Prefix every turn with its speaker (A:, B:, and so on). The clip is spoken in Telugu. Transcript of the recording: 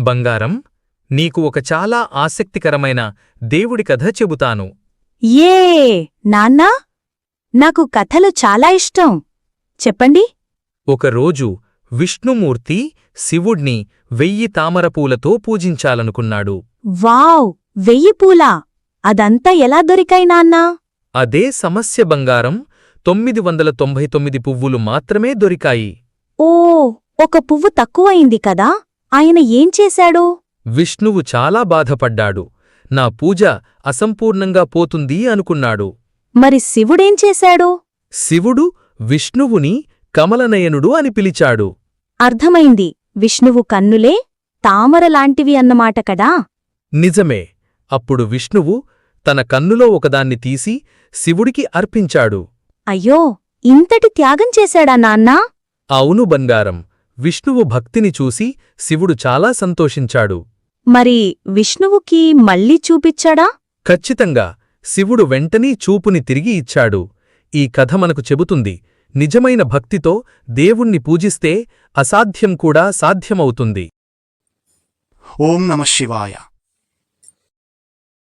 A: బంగారం, నీకు ఒక చాలా ఆసక్తికరమైన దేవుడి కథ చెబుతాను.
B: ఏ నాన్నా, నాకు కథలు చాలా ఇష్టం. చెప్పండి.
A: ఒకరోజు విష్ణుమూర్తి శివుడ్ని 1000 తామరపూలతో పూజించాలనుకున్నాడు.
B: వావ్, 1000 పూలా? అదంతా ఎలా దొరికాయి నాన్నా?
A: అదే సమస్య బంగారం, 999 పువ్వులు మాత్రమే దొరికాయి.
B: ఓ, ఒక పువ్వు తక్కువయింది కదా. ఆయన ఏం చేశాడు?
A: విష్ణువు చాలా బాధపడ్డాడు. నా పూజ అసంపూర్ణంగా పోతుంది అనుకున్నాడు.
B: మరి శివుడేం చేశాడు?
A: శివుడు విష్ణువుని కమలనయనుడు అని పిలిచాడు.
B: అర్థమైంది, విష్ణువు కన్నులే తామరలాంటివి అన్నమాట కదా.
A: నిజమే. అప్పుడు విష్ణువు తన కన్నులో ఒకదాన్ని తీసి శివుడికి అర్పించాడు.
B: అయ్యో, ఇంతటి త్యాగం చేశాడా నాన్నా?
A: అవును బంగారం. విష్ణువు భక్తిని చూసి శివుడు చాలా సంతోషించాడు.
B: మరి విష్ణువుకి మళ్ళీ చూపిచ్చాడా?
A: ఖచ్చితంగా. శివుడు వెంటనే చూపుని తిరిగి ఇచ్చాడు. ఈ కథ మనకు చెబుతుంది, నిజమైన భక్తితో దేవుణ్ణి పూజిస్తే అసాధ్యం కూడా సాధ్యమవుతుంది.
C: ఓం నమః శివాయ.